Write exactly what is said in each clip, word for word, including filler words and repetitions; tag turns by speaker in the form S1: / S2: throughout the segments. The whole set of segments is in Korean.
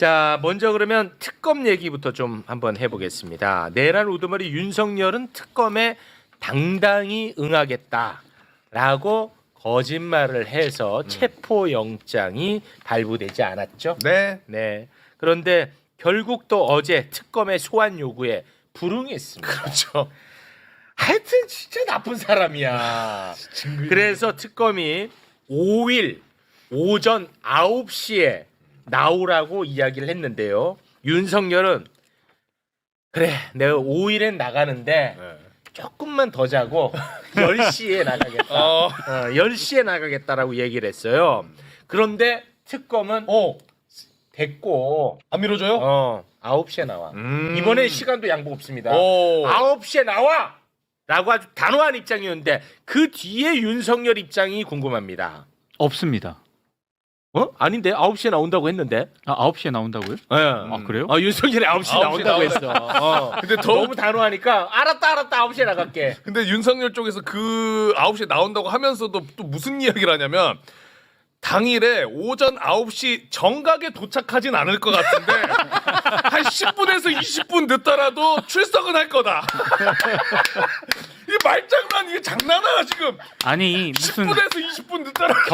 S1: 자, 먼저 그러면 특검 얘기부터 좀 한번 해보겠습니다. 내란 우두머리 윤석열은 특검에 당당히 응하겠다라고 거짓말을 해서 음. 체포영장이 발부되지 않았죠.
S2: 네.
S1: 네. 그런데 결국 또 어제 특검의 소환 요구에 불응했습니다.
S2: 그렇죠.
S1: 하여튼 진짜 나쁜 사람이야. 그래서 특검이 오일 오전 아홉 시에 나오라고 이야기를 했는데요. 윤석열은 그래 내가 오일엔 나가는데
S2: 네.
S1: 조금만 더 자고 열 시에 나가겠다.
S2: 어.
S1: 어, 열 시에 나가겠다라고 얘기를 했어요. 그런데 특검은
S2: 어.
S1: 됐고
S2: 안 밀어줘요?
S1: 어, 아홉 시에 나와.
S2: 음.
S1: 이번에 시간도 양보 없습니다.
S2: 오.
S1: 아홉 시에 나와! 라고 아주 단호한 입장이었는데 그 뒤에 윤석열 입장이 궁금합니다.
S3: 없습니다.
S1: 어? 아닌데 아홉 시에 나온다고 했는데.
S3: 아, 아홉 시에 나온다고요?
S1: 예.
S3: 아, 그래요?
S1: 어, 윤석열이 아홉 시에
S2: 아홉 시에
S1: 나온다고
S2: 나온다.
S1: 했어. 어.
S2: 근데 더
S1: 너무 단호하니까 알았다 알았다 아홉 시에 나갈게.
S2: 근데 윤석열 쪽에서 그 아홉 시에 나온다고 하면서도 또 무슨 이야기를 하냐면 당일에 오전 아홉 시 정각에 도착하진 않을 것 같은데 한 십 분에서 이십 분 늦더라도 출석은 할 거다. 이 말장난 이게 장난아 지금.
S3: 아니 무슨
S2: 십 분에서 이십 분 늦더라도.
S3: 겨,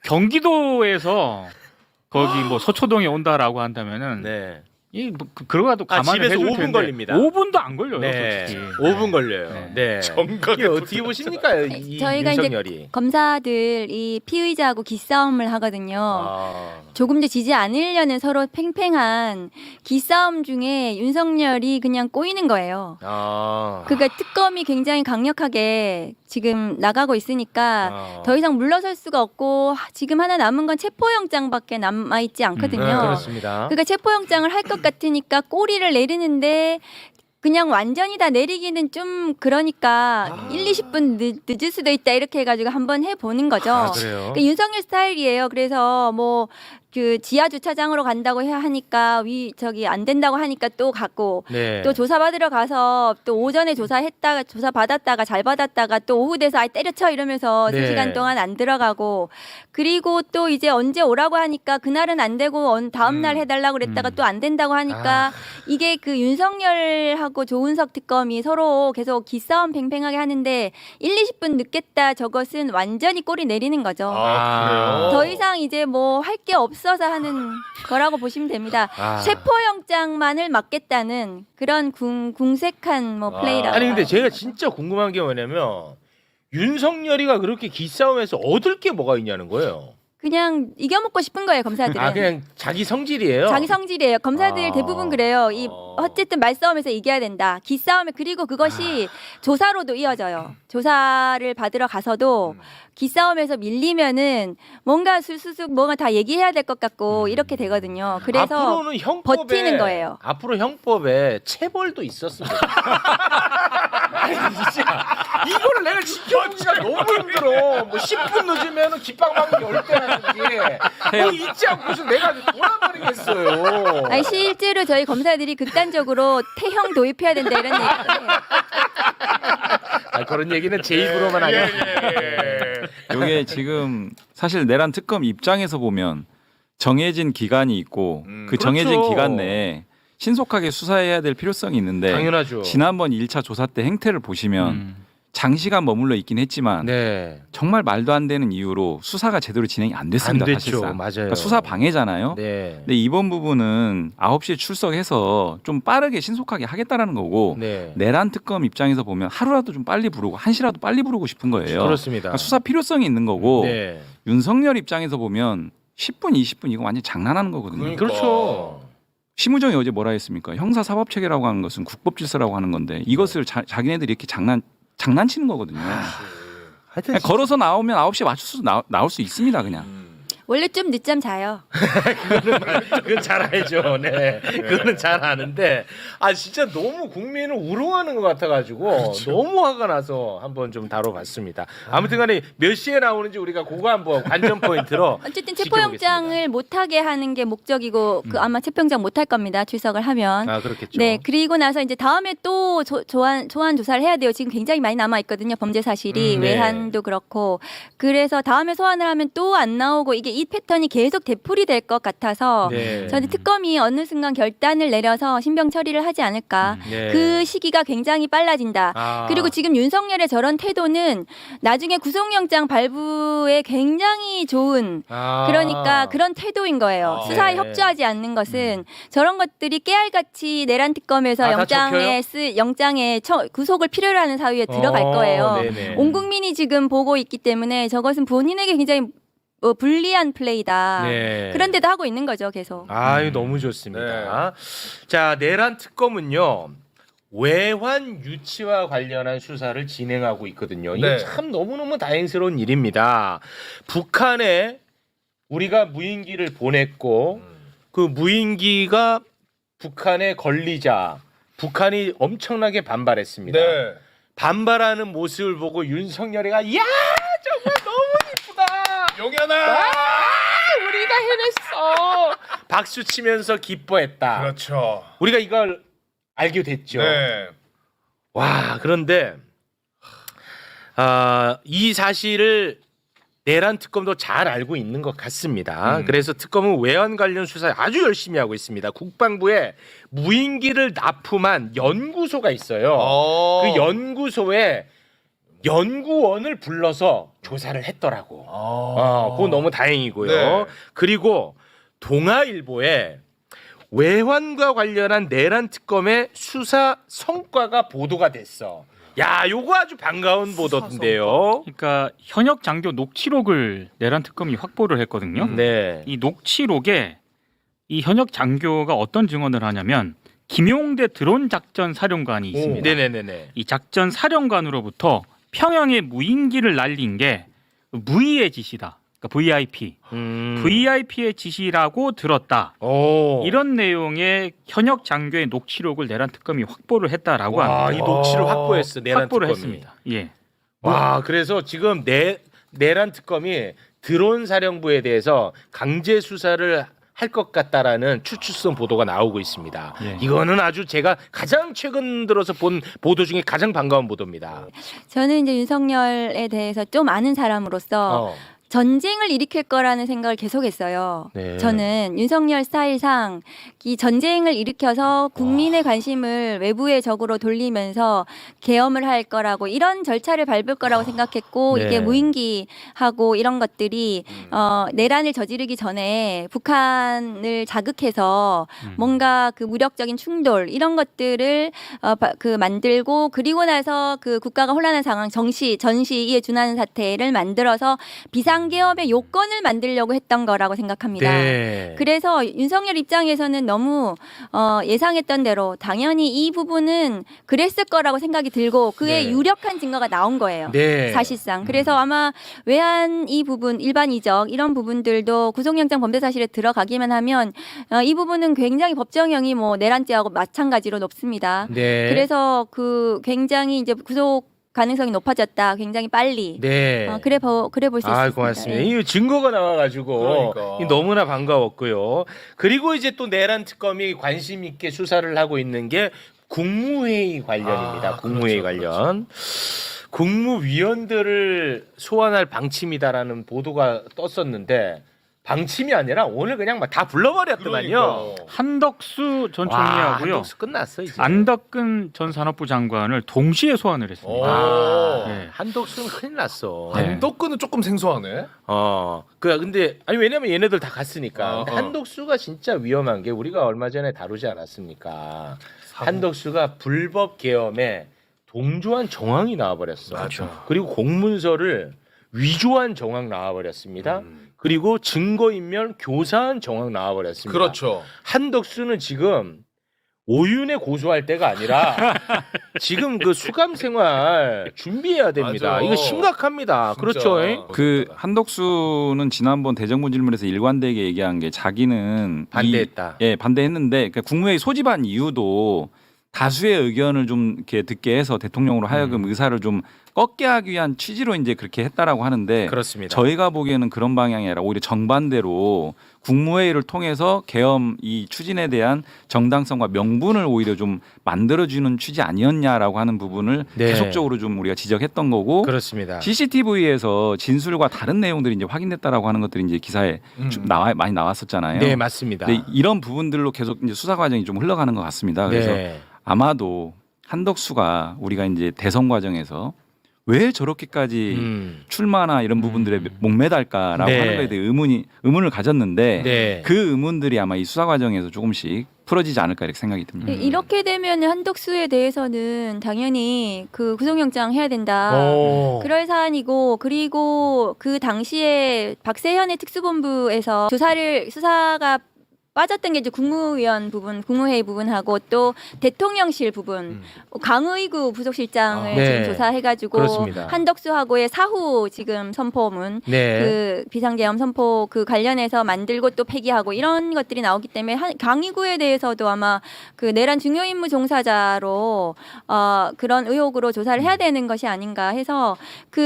S3: 경기도에서 거기 뭐 서초동에 온다라고 한다면은
S1: 네.
S3: 이 뭐, 그, 그러가도
S1: 아,
S3: 가만히
S1: 집에서
S3: 해줄
S1: 오 분
S3: 텐데
S1: 걸립니다.
S3: 오 분도 안 걸려요,
S1: 네.
S3: 솔직히.
S1: 오 분 걸려요.
S3: 네.
S1: 네.
S2: 정각에
S1: 이게 어떻게 보십니까? 이
S4: 저희가
S1: 윤석열이.
S4: 이제 검사들 이 피의자하고 기싸움을 하거든요.
S1: 아.
S4: 조금도 지지 않으려는 서로 팽팽한 기싸움 중에 윤석열이 그냥 꼬이는 거예요.
S1: 아.
S4: 그러니까 특검이 굉장히 강력하게 지금 나가고 있으니까
S1: 아.
S4: 더 이상 물러설 수가 없고 하- 지금 하나 남은 건 체포영장밖에 남아 있지 않거든요.
S1: 네, 그렇습니다.
S4: 그러니까 체포영장을 할 것 같으니까 꼬리를 내리는데 그냥 완전히 다 내리기는 좀 그러니까
S1: 아.
S4: 일, 이십 분 늦, 늦을 수도 있다 이렇게 해가지고 한번 해보는 거죠.
S1: 아, 그래요?
S4: 그러니까 윤석열 스타일이에요. 그래서 뭐 그 지하 주차장으로 간다고 해 하니까 위 저기 안 된다고 하니까 또 갔고
S1: 네.
S4: 또 조사 받으러 가서 또 오전에 조사했다가 조사 받았다가 잘 받았다가 또 오후 돼서 아이 때려쳐 이러면서
S1: 네.
S4: 세 시간 동안 안 들어가고 그리고 또 이제 언제 오라고 하니까 그날은 안 되고 언- 다음 날
S2: 음.
S4: 해달라고 그랬다가
S3: 음.
S4: 또 안 된다고 하니까
S1: 아.
S4: 이게 그 윤석열하고 조은석 특검이 서로 계속 기싸움 팽팽하게 하는데 일, 이십 분 늦겠다 저것은 완전히 꼬리 내리는 거죠.
S2: 아, 그래요?
S4: 더 이상 이제 뭐 할 게 없어서 하는 거라고 보시면 됩니다.
S1: 아.
S4: 체포영장만을 막겠다는 그런 궁, 궁색한 뭐
S2: 아.
S4: 플레이라고.
S1: 아니 근데 제가 진짜 궁금한 게 뭐냐면 윤석열이가 그렇게 기싸움에서 얻을 게 뭐가 있냐는 거예요.
S4: 그냥 이겨먹고 싶은 거예요, 검사들은.
S1: 아 그냥 자기 성질이에요.
S4: 자기 성질이에요. 검사들
S1: 아.
S4: 대부분 그래요. 이
S1: 어.
S4: 어쨌든 말싸움에서 이겨야 된다. 기싸움에 그리고 그것이 조사로도 이어져요. 조사를 받으러 가서도
S2: 음.
S4: 기싸움에서 밀리면은 뭔가 술수숙 뭔가 다 얘기해야 될 것 같고
S1: 음.
S4: 이렇게 되거든요. 그래서
S1: 앞으로는 형법에
S4: 버티는 거예요.
S1: 앞으로 형법에 체벌도 있었으면 좋겠다. 아니 진짜 이거를 내가 지켜보기가 너무 힘들어. 뭐 십 분 늦으면 깃방망이 열 대 하는지 뭐 잊지 않고서 내가 돌아버리겠어요.
S4: 아니 실제로 저희 검사들이 극단적으로 태형 도입해야 된다 이런 얘기를 해요.
S1: 아, 그런 얘기는 제 입으로만 하냐.
S5: 이게 지금 사실 내란 특검 입장에서 보면 정해진 기간이 있고
S2: 음,
S5: 그 정해진
S1: 그렇죠.
S5: 기간 내에 신속하게 수사해야 될 필요성이 있는데
S1: 당연하죠.
S5: 지난번 일 차 조사 때 행태를 보시면
S3: 음.
S5: 장시간 머물러 있긴 했지만
S1: 네.
S5: 정말 말도 안 되는 이유로 수사가 제대로 진행이 안 됐습니다.
S1: 안 됐죠.
S5: 사실상.
S1: 맞아요.
S5: 그러니까 수사 방해잖아요.
S1: 네.
S5: 근데 이번 부분은 아홉 시에 출석해서 좀 빠르게 신속하게 하겠다라는 거고
S1: 네.
S5: 내란 특검 입장에서 보면 하루라도 좀 빨리 부르고 한 시라도 빨리 부르고 싶은 거예요.
S1: 그렇습니다.
S5: 그러니까 수사 필요성이 있는 거고
S1: 네.
S5: 윤석열 입장에서 보면 십 분, 이십 분 이거 완전 장난하는 거거든요.
S2: 그러니까.
S1: 그렇죠.
S5: 심우정이 어제 뭐라 했습니까? 형사 사법 체계라고 하는 것은 국법 질서라고 하는 건데 이것을 자, 자기네들이 이렇게 장난 장난치는 거거든요.
S1: 하여튼
S5: 그냥 걸어서 나오면 아홉 시에 맞춰서 나, 나올 수 있습니다, 그냥.
S4: 원래 좀 늦잠 자요.
S1: 그건 잘 알죠. 네. 그거는 잘 아는데 아 진짜 너무 국민을 우롱하는 것 같아가지고 너무 화가 나서 한번 좀 다뤄봤습니다. 아무튼간에 몇 시에 나오는지 우리가 그거 한번 관전 포인트로
S4: 어쨌든
S1: 지켜보겠습니다.
S4: 체포영장을 못하게 하는 게 목적이고 그 아마 체포영장 못할 겁니다. 출석을 하면.
S1: 아 그렇겠죠.
S4: 네, 그리고 나서 이제 다음에 또 조, 조안 소환 조사를 해야 돼요. 지금 굉장히 많이 남아 있거든요. 범죄 사실이
S1: 음, 네.
S4: 외환도 그렇고. 그래서 다음에 소환을 하면 또 안 나오고 이게 이 패턴이 계속 되풀이될 것 같아서
S1: 네.
S4: 저는 특검이 어느 순간 결단을 내려서 신병 처리를 하지 않을까.
S1: 네.
S4: 그 시기가 굉장히 빨라진다.
S1: 아.
S4: 그리고 지금 윤석열의 저런 태도는 나중에 구속영장 발부에 굉장히 좋은
S1: 아.
S4: 그러니까 그런 태도인 거예요.
S2: 아,
S4: 수사에
S1: 네.
S4: 협조하지 않는 것은 저런 것들이 깨알같이 내란 특검에서
S1: 아, 다
S4: 영장에 쓰 영장에 처, 구속을 필요로 하는 사유에 들어갈
S1: 어,
S4: 거예요.
S1: 네네.
S4: 온 국민이 지금 보고 있기 때문에 저것은 본인에게 굉장히 어, 불리한 플레이다.
S1: 네.
S4: 그런데도 하고 있는 거죠, 계속.
S1: 아유 너무 좋습니다. 자 내란 특검은요 외환 유치와 관련한 수사를 진행하고 있거든요. 이거
S2: 네.
S1: 참 너무 너무 다행스러운 일입니다. 북한에 우리가 무인기를 보냈고 그 무인기가 북한에 걸리자 북한이 엄청나게 반발했습니다.
S2: 네.
S1: 반발하는 모습을 보고 윤석열이가 야 정말 너무 이쁘다.
S2: 용현아.
S1: 아, 우리가 해냈어. 박수 치면서 기뻐했다.
S2: 그렇죠.
S1: 우리가 이걸 알게 됐죠.
S2: 네.
S1: 와 그런데 아, 이 사실을 내란 특검도 잘 알고 있는 것 같습니다.
S2: 음.
S1: 그래서 특검은 외환 관련 수사 아주 열심히 하고 있습니다. 국방부에 무인기를 납품한 연구소가 있어요.
S2: 어.
S1: 그 연구소에 연구원을 불러서 조사를 했더라고. 어, 그거 너무 다행이고요.
S2: 네.
S1: 그리고 동아일보에 외환과 관련한 내란 특검의 수사 성과가 보도가 됐어. 야, 요거 아주 반가운 보도인데요.
S3: 그러니까 현역 장교 녹취록을 내란 특검이 확보를 했거든요.
S1: 네.
S3: 이 녹취록에 이 현역 장교가 어떤 증언을 하냐면 김용대 드론 작전 사령관이 있습니다.
S1: 네네네네.
S3: 이 작전 사령관으로부터 평양에 무인기를 날린 게 무의의 지시다. 그러니까 브이아이피.
S1: 음.
S3: 브이아이피의 지시라고 들었다.
S1: 오.
S3: 이런 내용의 현역 장교의 녹취록을 내란 특검이 확보를 했다라고
S1: 와,
S3: 합니다.
S1: 이 녹취를 확보했어. 내란
S3: 확보를
S1: 특검이.
S3: 했습니다. 예.
S1: 와, 그래서 지금 내 내란 특검이 드론 사령부에 대해서 강제 수사를 할 것 같다라는 추측성 보도가 나오고 있습니다.
S3: 예.
S1: 이거는 아주 제가 가장 최근 들어서 본 보도 중에 가장 반가운 보도입니다.
S4: 저는 이제 윤석열에 대해서 좀 아는 사람으로서
S1: 어.
S4: 전쟁을 일으킬 거라는 생각을 계속했어요.
S1: 네.
S4: 저는 윤석열 스타일상 이 전쟁을 일으켜서 국민의 관심을 외부의 적으로 돌리면서 계엄을 할 거라고 이런 절차를 밟을 거라고 생각했고
S1: 네.
S4: 이게 무인기하고 이런 것들이 어, 내란을 저지르기 전에 북한을 자극해서
S3: 음.
S4: 뭔가 그 무력적인 충돌 이런 것들을 어, 바- 그 만들고 그리고 나서 그 국가가 혼란한 상황 정시 전시에 준하는 사태를 만들어서 비상계엄의 요건을 만들려고 했던 거라고 생각합니다.
S1: 네.
S4: 그래서 윤석열 입장에서는 너무 어, 예상했던 대로 당연히 이 부분은 그랬을 거라고 생각이 들고 그의
S1: 네.
S4: 유력한 증거가 나온 거예요.
S1: 네.
S4: 사실상. 그래서 아마 외환 이 부분, 일반 이적 이런 부분들도 구속영장 범죄 사실에 들어가기만 하면 어, 이 부분은 굉장히 법정형이 뭐 내란죄하고 마찬가지로 높습니다.
S1: 네.
S4: 그래서 그 굉장히 이제 구속 가능성이 높아졌다. 굉장히 빨리.
S1: 네.
S4: 어, 그래 보 그래 볼 수 있습니다.
S1: 아, 고맙습니다.
S4: 예.
S1: 이 증거가 나와가지고
S2: 그러니까.
S1: 이 너무나 반가웠고요. 그리고 이제 또 내란 특검이 관심 있게 수사를 하고 있는 게 국무회의 관련입니다.
S2: 아,
S1: 국무회의
S2: 그렇죠,
S1: 관련. 국무위원들을 소환할 방침이다라는 보도가 떴었는데 방침이 아니라 오늘 그냥 막 다 불러버렸더만요.
S2: 그러니까.
S3: 한덕수 전
S1: 와,
S3: 총리하고요.
S1: 한덕수 끝났어 이제.
S3: 안덕근 전 산업부 장관을 동시에 소환을 했습니다.
S1: 아,
S3: 네.
S1: 한덕수는 큰일 났어.
S3: 네.
S2: 한덕근은 조금 생소하네.
S1: 어, 그 근데 아니 왜냐면 얘네들 다 갔으니까.
S2: 어,
S1: 근데
S2: 어.
S1: 한덕수가 진짜 위험한 게 우리가 얼마 전에 다루지 않았습니까? 한덕수가 불법 계엄에 동조한 정황이 나와버렸어.
S2: 맞아.
S1: 그리고 공문서를 위조한 정황 나와버렸습니다.
S2: 음.
S1: 그리고 증거인멸 교사한 정황 나와버렸습니다.
S2: 그렇죠.
S1: 한덕수는 지금 오윤에 고소할 때가 아니라 지금 그 수감 생활 준비해야 됩니다.
S2: 맞아.
S1: 이거 심각합니다.
S2: 진짜.
S1: 그렇죠. 에?
S5: 그 한덕수는 지난번 대정부 질문에서 일관되게 얘기한 게 자기는
S1: 반대했다.
S5: 이, 예, 반대했는데 그러니까 국무회의 소집한 이유도 다수의 의견을 좀 이렇게 듣게 해서 대통령으로 하여금
S1: 음.
S5: 의사를 좀 꺾게 하기 위한 취지로 이제 그렇게 했다라고 하는데
S1: 그렇습니다.
S5: 저희가 보기에는 그런 방향이 아니라 오히려 정반대로 국무회의를 통해서 계엄 이 추진에 대한 정당성과 명분을 오히려 좀 만들어주는 취지 아니었냐라고 하는 부분을
S1: 네.
S5: 계속적으로 좀 우리가 지적했던 거고
S1: 그렇습니다.
S5: 씨씨티비에서 진술과 다른 내용들이 이제 확인됐다라고 하는 것들이 이제 기사에
S2: 음.
S5: 좀 나와 많이 나왔었잖아요.
S1: 네, 맞습니다.
S5: 근데 이런 부분들로 계속 이제 수사 과정이 좀 흘러가는 것 같습니다. 그래서
S1: 네.
S5: 아마도 한덕수가 우리가 이제 대선 과정에서 왜 저렇게까지
S1: 음.
S5: 출마나 이런 부분들에 목매달까라고
S1: 네.
S5: 하는 거에 대해 의문이 의문을 가졌는데
S1: 네.
S5: 그 의문들이 아마 이 수사 과정에서 조금씩 풀어지지 않을까 이렇게 생각이 듭니다.
S1: 음.
S4: 이렇게 되면 한덕수에 대해서는 당연히 그 구속영장 해야 된다.
S1: 오.
S4: 그럴 사안이고 그리고 그 당시에 박세현의 특수본부에서 조사를 수사가 빠졌던 게 이제 국무위원 부분, 국무회의 부분하고 또 대통령실 부분,
S1: 음.
S4: 강의구 부속실장을
S1: 아, 네.
S4: 지금 조사해가지고
S1: 그렇습니다.
S4: 한덕수하고의 사후 지금 선포문,
S1: 네.
S4: 그 비상계엄 선포 그 관련해서 만들고 또 폐기하고 이런 것들이 나오기 때문에 한, 강의구에 대해서도 아마 그 내란 중요임무 종사자로 어, 그런 의혹으로 조사를 해야 되는 것이 아닌가 해서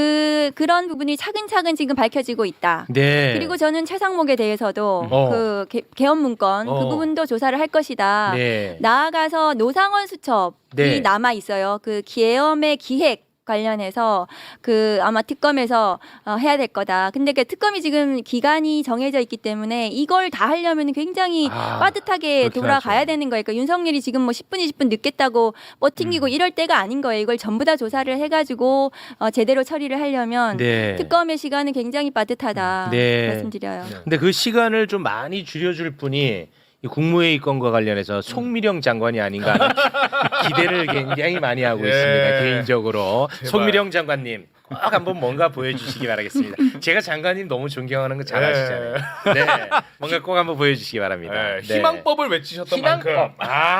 S4: 그 그런 부분이 차근차근 지금 밝혀지고 있다.
S1: 네.
S4: 그리고 저는 최상목에 대해서도
S1: 어.
S4: 그 개, 개헌 문건
S1: 어.
S4: 그 부분도 조사를 할 것이다.
S1: 네.
S4: 나아가서 노상원 수첩이
S1: 네.
S4: 남아 있어요. 그 계엄의 기획 관련해서 그 아마 특검에서 어, 해야 될 거다. 근데 그 특검이 지금 기간이 정해져 있기 때문에 이걸 다 하려면 굉장히
S1: 아,
S4: 빠듯하게
S1: 그렇긴
S4: 돌아가야
S1: 하죠.
S4: 되는 거예요. 그러니까 윤석열이 지금 뭐 십 분, 이십 분 늦겠다고 뻗팅기고
S1: 음.
S4: 이럴 때가 아닌 거예요. 이걸 전부 다 조사를 해가지고 어, 제대로 처리를 하려면
S1: 네.
S4: 특검의 시간은 굉장히 빠듯하다.
S1: 네.
S4: 말씀드려요.
S1: 근데 그 시간을 좀 많이 줄여줄 분이 이 국무회의 건과 관련해서 송미령 장관이 아닌가 하는 기대를 굉장히 많이 하고
S2: 예.
S1: 있습니다. 개인적으로
S2: 제발.
S1: 송미령 장관님 꼭 한번 뭔가 보여주시기 바라겠습니다. 제가 장관님 너무 존경하는 거 잘 아시잖아요. 네, 뭔가 꼭 한번 보여주시기 바랍니다.
S2: 네,
S1: 네.
S2: 희망법을 외치셨던
S1: 희망법.
S2: 만큼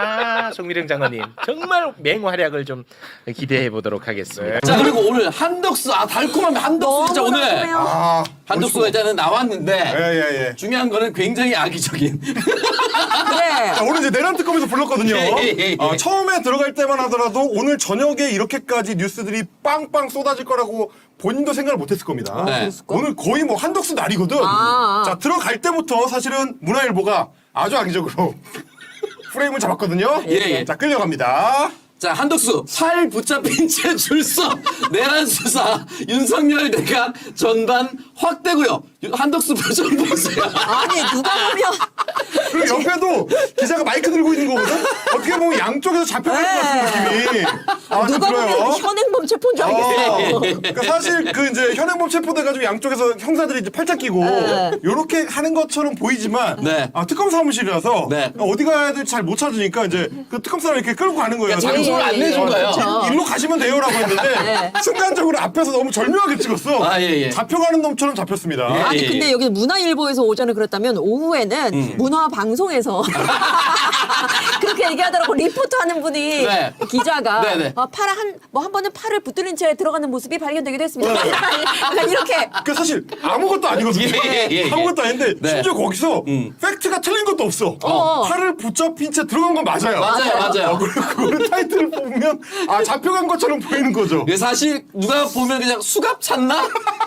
S1: 아, 송미령 장관님 정말 맹활약을 좀 기대해 보도록 하겠습니다.
S6: 자 그리고 오늘 한덕수 아 달콤하면 한덕수 진짜 오늘
S7: 아,
S6: 한덕수가 일단은 나왔는데
S7: 예예예. 예.
S6: 중요한 거는 굉장히 악의적인
S7: 자, 오늘 이제 내란 특검에서 불렀거든요.
S6: 예, 예, 예.
S7: 어, 처음에 들어갈 때만 하더라도 오늘 저녁에 이렇게까지 뉴스들이 빵빵 쏟아질 거라고 본인도 생각을 못했을 겁니다.
S6: 네.
S7: 오늘 거의 뭐 한덕수 날이거든. 자 들어갈 때부터 사실은 문화일보가 아주 악의적으로 프레임을 잡았거든요.
S6: 예, 예.
S7: 자 끌려갑니다.
S6: 자 한덕수 팔 붙잡힌 채 출석 내란 수사 윤석열 대각 전반 확대고요. 한덕수 표정 보세요.
S8: 아니 누가 보면
S7: 그리고 옆에도 기자가 마이크 들고 있는 거거든. 어떻게 보면 양쪽에서 잡혀갈 것 같은 느낌이 아, 좀
S8: 누가 보면
S7: 들어요.
S8: 현행범 체포인 줄 알겠어요.
S7: 어, 그러니까 사실 그 이제 현행범 체포돼가지고 양쪽에서 형사들이 이제 팔짱 끼고
S8: 네.
S7: 요렇게 하는 것처럼 보이지만
S6: 네.
S7: 아, 특검 사무실이라서
S6: 네.
S7: 어디 가야 될지 잘 못 찾으니까 이제 그 특검 사람 이렇게 끌고 가는 거예요.
S6: 그러니까 장소를
S8: 예,
S6: 안
S8: 예,
S6: 내준
S8: 예.
S6: 거예요.
S8: 그렇죠.
S7: 일- 일로 가시면 돼요라고 했는데 순간적으로 앞에서 너무 절묘하게 찍었어.
S6: 아, 예, 예.
S7: 잡혀가는 놈처럼 잡혔습니다.
S6: 예.
S8: 아니 근데 여기 문화일보에서 오전에 그랬다면 오후에는
S6: 음.
S8: 문화방송에서 그렇게 얘기하더라고. 리포터하는 분이
S6: 네.
S8: 기자가
S6: 네, 네.
S8: 어, 팔 한 뭐 한 번은 팔을 붙들린 채 들어가는 모습이 발견되기도
S6: 어.
S8: 했습니다. 약간 이렇게
S7: 그 사실 아무것도 아니거든요.
S6: 예, 예, 예.
S7: 아무것도 아닌데
S6: 네.
S7: 심지어 거기서
S6: 음.
S7: 팩트가 틀린 것도 없어.
S8: 어.
S7: 팔을 붙잡힌 채 들어간 건 맞아요.
S6: 맞아요, 맞아요.
S7: 어, 그리고 그거를 타이틀을 보면 아 잡혀간 것처럼 보이는 거죠.
S6: 이게 사실 누가 보면 그냥 수갑 찼나?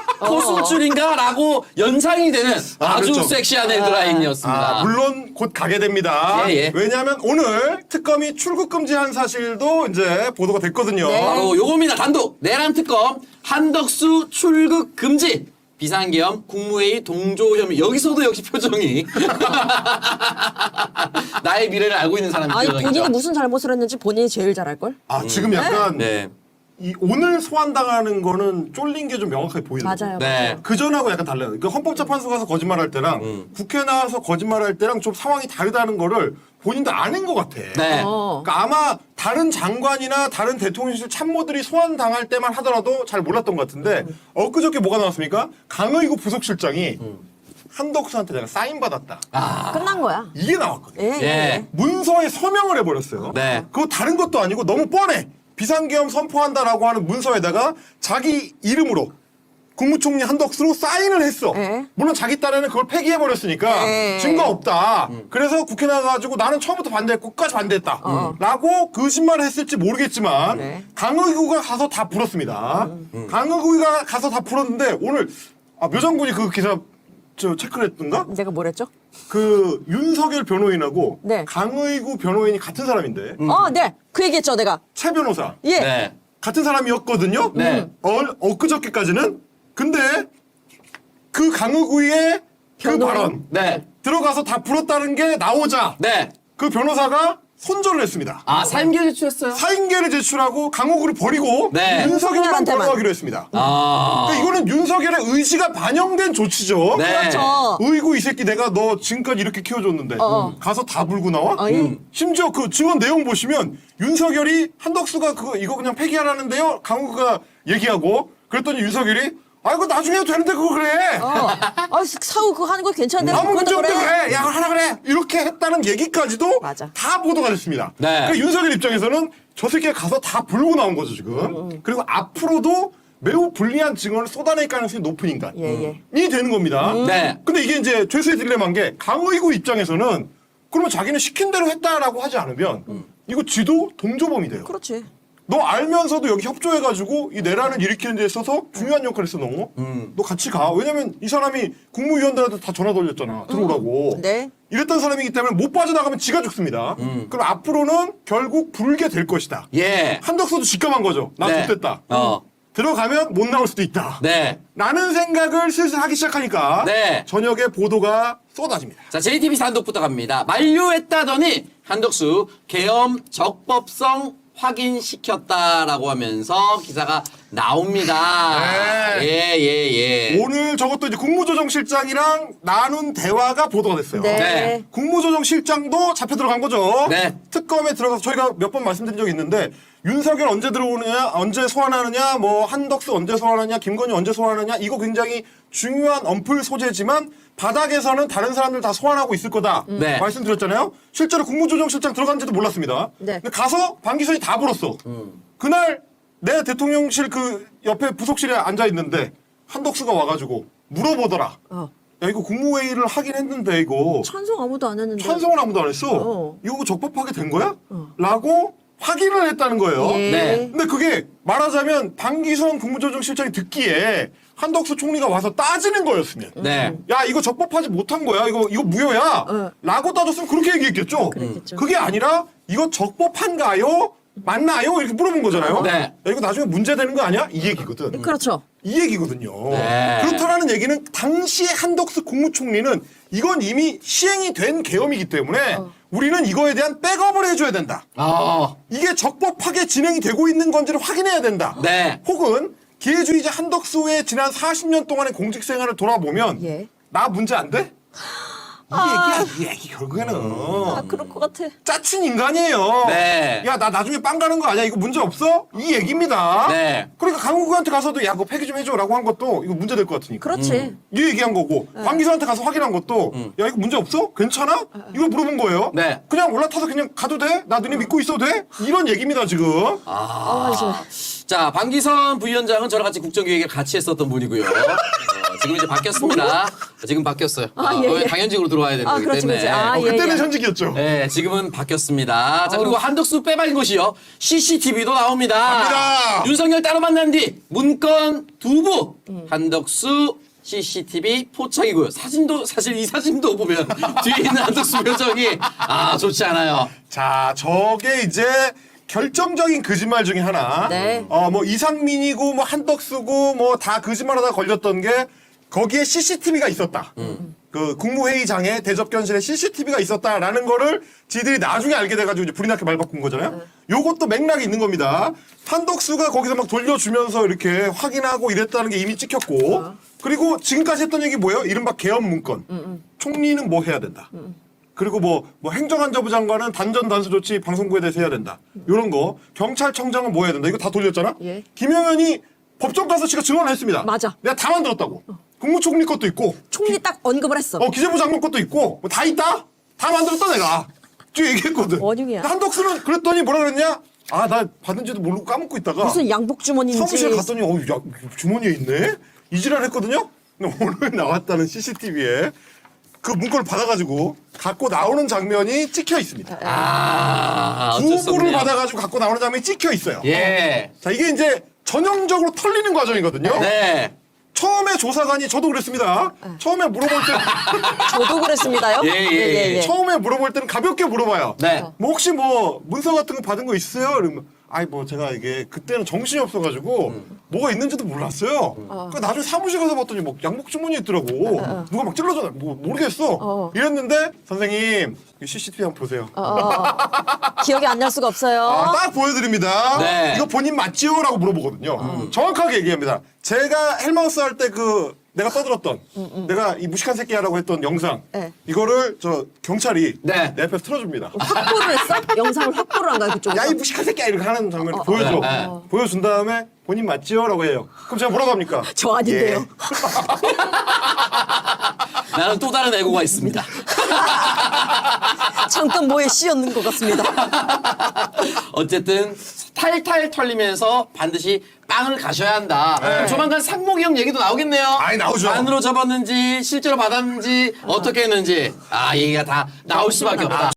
S6: 코수줄인가라고 연상이 되는
S7: 아,
S6: 아주
S7: 그렇죠.
S6: 섹시한 헤드라인이었습니다.
S7: 아, 물론 곧 가게 됩니다.
S6: 예, 예.
S7: 왜냐하면 오늘 특검이 출국 금지한 사실도 이제 보도가 됐거든요.
S8: 네.
S6: 바로 요겁니다. 단독 내란 특검 한덕수 출국 금지 비상계엄 국무회의 동조 혐의 여기서도 역시 표정이 나의 미래를 알고 있는 사람이
S8: 아니
S6: 표정이죠.
S8: 본인이 무슨 잘못을 했는지 본인이 제일 잘 알 걸.
S7: 아 지금 약간
S6: 네.
S7: 이 오늘 소환당하는 거는 쫄린 게 좀 명확하게 보이더라고요.
S8: 맞아요.
S6: 네.
S8: 맞아요.
S7: 그 전하고 약간 달라요. 그러니까 헌법재판소 가서 거짓말할 때랑
S6: 음.
S7: 국회 나와서 거짓말할 때랑 좀 상황이 다르다는 거를 본인도 아는 것 같아.
S6: 네.
S8: 어.
S7: 그러니까 아마 다른 장관이나 다른 대통령실 참모들이 소환 당할 때만 하더라도 잘 몰랐던 것 같은데 엊그저께 뭐가 나왔습니까? 강의구 부속실장이 한덕수한테 내가 사인 받았다.
S8: 끝난 거야.
S7: 이게 나왔거든.
S8: 예.
S6: 예.
S8: 예.
S7: 문서에 서명을 해버렸어요.
S6: 네.
S7: 그거 다른 것도 아니고 너무 뻔해. 비상계엄 선포한다라고 하는 문서에다가 자기 이름으로 국무총리 한덕수로 사인을 했어.
S8: 네.
S7: 물론 자기 딴에는 그걸 폐기해버렸으니까
S8: 네.
S7: 증거 없다. 그래서 국회 나가가지고 나는 처음부터 반대했고 끝까지 반대했다.
S8: 어.
S7: 라고 거짓말을 했을지 모르겠지만
S8: 네.
S7: 강의구가 가서 다 풀었습니다. 강의구가 가서 다 풀었는데 오늘 아, 묘장군이 그 기사 저 체크를 했던가?
S8: 내가 뭐랬죠?
S7: 그 윤석열 변호인하고
S8: 네.
S7: 강의구 변호인이 같은 사람인데
S8: 어, 네. 그 얘기했죠, 내가.
S7: 최 변호사
S8: 예.
S6: 네.
S7: 같은 사람이었거든요.
S6: 네.
S7: 어, 엊그저께까지는. 근데 그 강의구의 그
S8: 변호인?
S7: 발언
S6: 네.
S7: 들어가서 다 풀었다는 게 나오자
S6: 네.
S7: 그 변호사가 손절을 했습니다.
S6: 아, 사임계 제출했어요?
S7: 사인계를 제출하고 강호구를 버리고
S6: 네.
S7: 윤석열만
S8: 윤석열한테만.
S7: 변호하기로 했습니다.
S6: 아.
S7: 그러니까 이거는 윤석열의 의지가 반영된 조치죠.
S6: 네.
S8: 그렇죠.
S7: 의구 이 새끼 내가 너 지금까지 이렇게 키워줬는데
S8: 어.
S7: 가서 다 불고 나와?
S8: 어, 예.
S7: 음. 심지어 그 증언 내용 보시면 윤석열이 한덕수가 그거 이거 그냥 폐기하라는데요. 강호구가 얘기하고 그랬더니 윤석열이 아 이거 나중에 해도 되는데 그거 그래.
S8: 어. 아, 사후 그거 하는 거 괜찮은데.
S7: 아무 문제
S8: 그것도
S7: 없대 그래. 야 하라 그래. 이렇게 했다는 얘기까지도
S8: 맞아.
S7: 다 보도가 됐습니다.
S6: 네.
S7: 그러니까 윤석열 입장에서는 저 새끼가 가서 다 불고 나온 거죠 지금. 그리고 앞으로도 매우 불리한 증언을 쏟아낼 가능성이 높은 인간이
S8: 예, 예.
S7: 되는 겁니다.
S6: 네.
S7: 근데 이게 이제 죄수의 딜레마인 게 강의구 입장에서는 그러면 자기는 시킨 대로 했다라고 하지 않으면 이거 지도 동조범이 돼요.
S8: 그렇지.
S7: 너 알면서도 여기 협조해가지고 이 내란을 일으키는 데 있어서 중요한 역할을 했어 너. 너 같이 가. 왜냐면 이 사람이 국무위원들한테 다 전화 돌렸잖아. 들어오라고.
S8: 네.
S7: 이랬던 사람이기 때문에 못 빠져나가면 지가 죽습니다. 그럼 앞으로는 결국 불게 될 것이다.
S6: 예.
S7: 한덕수도 직감한 거죠. 나
S6: 네.
S7: 좋됐다.
S6: 어.
S7: 들어가면 못 나올 수도 있다.
S6: 네.
S7: 라는 생각을 슬슬 하기 시작하니까
S6: 네.
S7: 저녁에 보도가 쏟아집니다.
S6: 자, 제이티비씨 단독부터 갑니다. 만료했다더니 한덕수 계엄 적법성 확인시켰다라고 하면서 기사가 나옵니다.
S7: 네.
S6: 예, 예, 예.
S7: 오늘 저것도 이제 국무조정실장이랑 나눈 대화가 보도가 됐어요.
S8: 네.
S6: 네.
S7: 국무조정실장도 잡혀 들어간 거죠.
S6: 네.
S7: 특검에 들어가서 저희가 몇 번 말씀드린 적이 있는데 윤석열 언제 들어오느냐, 언제 소환하느냐, 뭐 한덕수 언제 소환하느냐, 김건희 언제 소환하느냐 이거 굉장히 중요한 언플 소재지만 바닥에서는 다른 사람들 다 소환하고 있을 거다
S6: 네.
S7: 말씀드렸잖아요. 실제로 국무조정실장 들어간지도 몰랐습니다.
S8: 네.
S7: 근데 가서 방기선이 다 불었어. 그날 내 대통령실 그 옆에 부속실에 앉아 있는데 한덕수가 와가지고 물어보더라.
S8: 어.
S7: 야 이거 국무회의를 하긴 했는데 이거
S8: 찬성 아무도 안 했는데.
S7: 찬성을 아무도 안 했어.
S8: 어.
S7: 이거 적법하게 된 거야? 라고 확인을 했다는 거예요.
S8: 예.
S6: 네.
S7: 근데 그게 말하자면 방기선 국무조정실장이 듣기에 한덕수 총리가 와서 따지는 거였으면
S6: 네.
S7: 야 이거 적법하지 못한 거야 이거 이거 무효야
S8: 어.
S7: 라고 따졌으면 그렇게 얘기했겠죠.
S8: 그랬겠죠.
S7: 그게 아니라 이거 적법한가요? 맞나요? 이렇게 물어본 거잖아요.
S6: 네.
S7: 야, 이거 나중에 문제되는 거 아니야? 이 얘기거든.
S8: 그렇죠.
S7: 이 얘기거든요.
S6: 네.
S7: 그렇다라는 얘기는 당시 한덕수 국무총리는 이건 이미 시행이 된 계엄이기 때문에 우리는 이거에 대한 백업을 해줘야 된다.
S6: 아.
S7: 이게 적법하게 진행이 되고 있는 건지를 확인해야 된다.
S6: 네.
S7: 혹은 기회주의자 한덕수의 지난 사십 년 동안의 공직 생활을 돌아보면
S8: 예.
S7: 나 문제 안 돼? 이 얘기야, 이 얘기 결국에는
S8: 아, 그럴 것 같아.
S7: 짜친 인간이에요.
S6: 네.
S7: 야, 나 나중에 빵 가는 거 아니야? 이거 문제 없어? 이 얘기입니다.
S6: 네.
S7: 그러니까 강국한테 가서도 야, 그거 폐기 좀 해줘라고 한 것도 이거 문제 될 것 같으니까.
S8: 그렇지.
S7: 이 얘기한 거고 관기사한테 가서 확인한 것도 야 이거 문제 없어? 괜찮아? 이거 물어본 거예요.
S6: 네.
S7: 그냥 올라타서 그냥 가도 돼? 나 너네 믿고 있어도 돼? 이런 얘기입니다 지금.
S8: 아, 이제.
S6: 자, 방기선 부위원장은 저랑 같이 국정기획을 같이 했었던 분이고요. 어, 지금 이제 바뀌었습니다. 지금 바뀌었어요.
S8: 아,
S6: 어,
S8: 예,
S6: 왜
S8: 예.
S7: 어,
S6: 당연직으로 들어와야 되는
S8: 아,
S6: 거기
S8: 그렇지,
S6: 때문에.
S8: 그렇지. 아,
S7: 어,
S8: 예,
S7: 그때는
S8: 예.
S7: 현직이었죠.
S6: 네, 지금은 바뀌었습니다. 자, 그리고 한덕수 빼박인 것이요. 씨씨티비도 나옵니다.
S7: 갑니다.
S6: 윤석열 따로 만난 뒤 문건 두부 한덕수 씨씨티비 포착이고요. 사진도 사실 이 사진도 보면 뒤에 있는 한덕수 표정이 아 좋지 않아요.
S7: 자, 저게 이제 결정적인 거짓말 중에 하나.
S8: 네.
S7: 어, 뭐 이상민이고 뭐 한덕수고 뭐 다 거짓말하다 걸렸던 게 거기에 씨씨티비가 있었다. 그 국무회의장에 대접견실에 씨씨티비가 있었다라는 거를 지들이 나중에 알게 돼가지고 이제 불이 나게 말 바꾼 거잖아요. 요것도 맥락이 있는 겁니다. 한덕수가 거기서 막 돌려주면서 이렇게 확인하고 이랬다는 게 이미 찍혔고 그리고 지금까지 했던 얘기 뭐예요? 이른바 계엄 문건. 총리는 뭐 해야 된다. 그리고 뭐, 뭐 행정안전부 장관은 단전 단수 조치 방송국에 대해서 해야 된다. 요런 거. 경찰청장은 뭐 해야 된다. 이거 다 돌렸잖아.
S8: 예.
S7: 김영현이 법정 가서 지가 증언을 했습니다.
S8: 맞아.
S7: 내가 다 만들었다고. 국무총리 것도 있고,
S8: 총리 딱 언급을 했어.
S7: 어 기재부 장관 것도 있고, 뭐 다 있다. 다 만들었다 내가. 쭉 얘기했거든.
S8: 원흉이야.
S7: 근데 한덕수는 그랬더니 뭐라 그랬냐? 아, 나 받은지도 모르고 까먹고 있다가
S8: 무슨 양복 주머니인지.
S7: 사무실 갔더니 어, 야, 주머니에 있네. 이지랄 했거든요. 근데 오늘 나왔다는 씨씨티비에 그 문건을 받아가지고 갖고 나오는 장면이 찍혀 있습니다.
S6: 아, 어쩔 수
S7: 부고를
S6: 없네요.
S7: 받아가지고 갖고 나오는 장면이 찍혀 있어요.
S6: 예.
S7: 자, 이게 이제 전형적으로 털리는 과정이거든요.
S6: 네.
S7: 처음에 조사관이 저도 그랬습니다. 처음에 물어볼 때
S8: 저도 그랬습니다요.
S6: 예, 예, 예.
S7: 처음에 물어볼 때는 가볍게 물어봐요.
S6: 네.
S7: 뭐 혹시 뭐 문서 같은 거 받은 거 있으세요? 이러면 아이 뭐 제가 이게 그때는 정신이 없어가지고
S6: 음.
S7: 뭐가 있는지도 몰랐어요. 그 나중에 사무실 가서 봤더니 뭐 양복 주머니 있더라고. 누가 막 찔러줘. 뭐 모르겠어.
S8: 어.
S7: 이랬는데 선생님 이 씨씨티비 한번 보세요.
S8: 어, 어, 어. 기억이 안 날 수가 없어요.
S7: 아, 딱 보여드립니다.
S6: 네.
S7: 이거 본인 맞지요? 라고 물어보거든요. 정확하게 얘기합니다. 제가 헬마우스 할 때 그 내가 떠들었던 내가 이 무식한 새끼야라고 했던 영상
S8: 네.
S7: 이거를 저 경찰이
S6: 네.
S7: 내 앞에서 틀어줍니다.
S8: 확보를 했어? 영상을 확보를 한 거야 그쪽에서?
S7: 야 이 무식한 새끼야 이렇게 하는 장면을
S8: 어, 어,
S7: 보여줘.
S6: 네.
S7: 보여준 다음에 본인 맞지요? 라고 해요. 그럼 제가 뭐라고 합니까?
S8: 저 아닌데요.
S7: 예.
S6: 나는 또 다른 애고가 있습니다.
S8: 잠깐 뭐에 씌었는 것 같습니다.
S6: 어쨌든 탈탈 털리면서 반드시 빵을 가셔야 한다. 그럼 조만간 상목이 형 얘기도 나오겠네요.
S7: 아이, 나오죠.
S6: 안으로 접었는지 실제로 받았는지 어떻게 했는지 아 얘기가 다 나올 수밖에 없다.